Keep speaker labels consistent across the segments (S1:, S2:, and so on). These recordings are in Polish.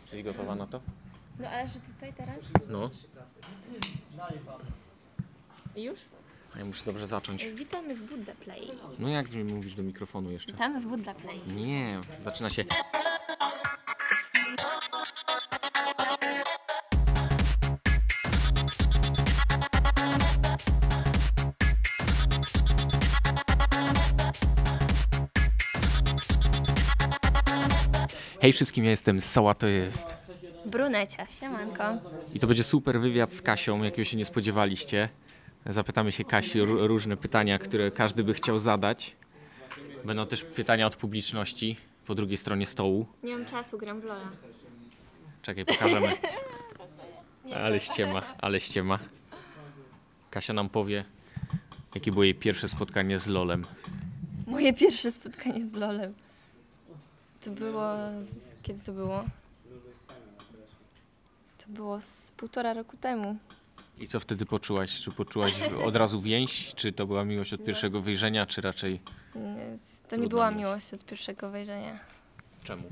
S1: Jesteś gotowa na to?
S2: No ale że tutaj teraz?
S1: No.
S2: Już?
S1: A ja muszę dobrze zacząć.
S2: Witamy w Buddha Play.
S1: No jak mi mówisz do mikrofonu jeszcze?
S2: Witamy w Buddha Play.
S1: Nie, zaczyna się... Hej wszystkim, ja jestem Soła, to jest...
S2: Brunecia, siemanko.
S1: I to będzie super wywiad z Kasią, jakiego się nie spodziewaliście. Zapytamy się Kasi o różne pytania, które każdy by chciał zadać. Będą też pytania od publiczności po drugiej stronie stołu.
S2: Nie mam czasu, gram w Lola.
S1: Czekaj, pokażemy. Ale ściema. Kasia nam powie, jakie było jej pierwsze spotkanie z LOL-em.
S2: Moje pierwsze spotkanie z Lolem. To było... Kiedy to było? To było z 1,5 roku temu.
S1: I co wtedy poczułaś? Czy poczułaś od razu więź? Czy to była miłość od pierwszego wyjrzenia, czy raczej...
S2: To nie była miłość od pierwszego wejrzenia.
S1: Czemu?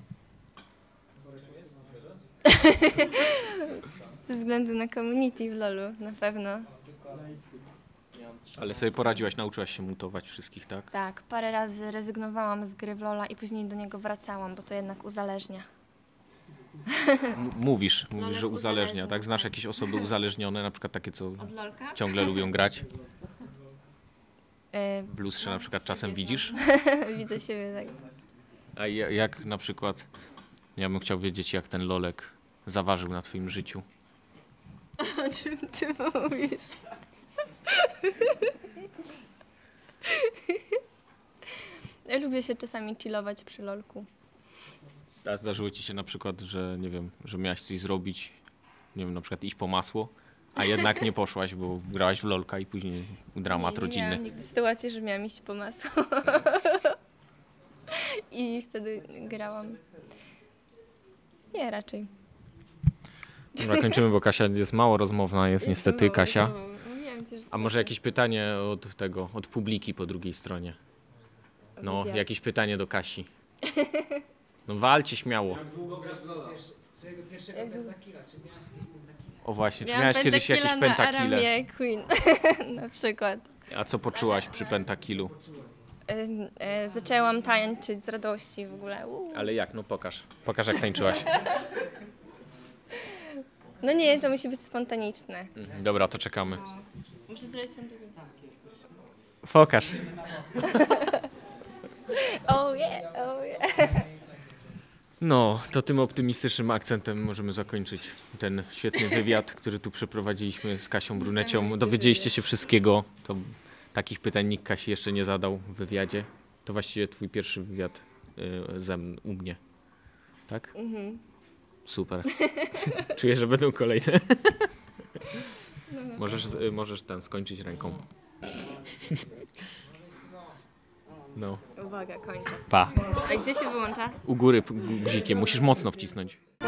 S2: Ze względu na community w LoLu, na pewno.
S1: Ale sobie poradziłaś, nauczyłaś się mutować wszystkich, tak?
S2: Tak, parę razy rezygnowałam z gry w Lola i później do niego wracałam, bo to jednak uzależnia.
S1: Mówisz, że uzależnia,
S2: uzależnia,
S1: tak? Znasz jakieś osoby uzależnione, na przykład takie, co
S2: Od Lolka?
S1: ciągle lubią grać? W lustrze na przykład czasem widzisz?
S2: Widzę siebie tak.
S1: A jak na przykład, ja bym chciał wiedzieć, jak ten lolek zaważył na twoim życiu.
S2: O czym ty mówisz? Ja lubię się czasami chillować przy lolku.
S1: A zdarzyło ci się na przykład, że nie wiem, że miałaś coś zrobić, nie wiem, na przykład iść po masło, a jednak nie poszłaś, bo grałaś w lolka i później dramat rodzinny.
S2: Nie miałam nigdy sytuacji, że miałam iść po masło. I wtedy grałam. Nie, raczej.
S1: Dobra, kończymy, bo Kasia jest mało rozmowna, jest niestety Kasia.
S2: Mówiłam ci, że
S1: A może jakieś pytanie od publiki po drugiej stronie? No,
S2: Wywiad.
S1: jakieś pytanie do Kasi. No walcie śmiało.
S3: Swojego pierwszego pentakilla, czy miałaś jakieś pentakile?
S1: O właśnie, czy
S2: miałam
S1: miałaś kiedyś jakieś
S2: pentakilla na
S1: pentakile?
S2: Aramie Queen, na przykład.
S1: A co poczułaś przy pentakillu?
S2: Zaczęłam tańczyć z radości w ogóle.
S1: Ale jak? No pokaż. Pokaż, jak tańczyłaś.
S2: No nie, to musi być spontaniczne.
S1: Dobra, to czekamy.
S2: Muszę zrobić spontaniczne.
S1: Pokaż.
S2: Oh yeah, oh yeah.
S1: No, to tym optymistycznym akcentem możemy zakończyć ten świetny wywiad, który tu przeprowadziliśmy z Kasią Brunecią. Dowiedzieliście się wszystkiego. To takich pytań nikt Kasi jeszcze nie zadał w wywiadzie. To właściwie twój pierwszy wywiad u mnie. Tak?
S2: Mhm.
S1: Super. Czuję, że będą kolejne. Możesz skończyć ręką. No.
S2: Uwaga, kończę.
S1: Pa.
S2: A gdzie się wyłącza?
S1: U góry guzikiem. Musisz mocno wcisnąć.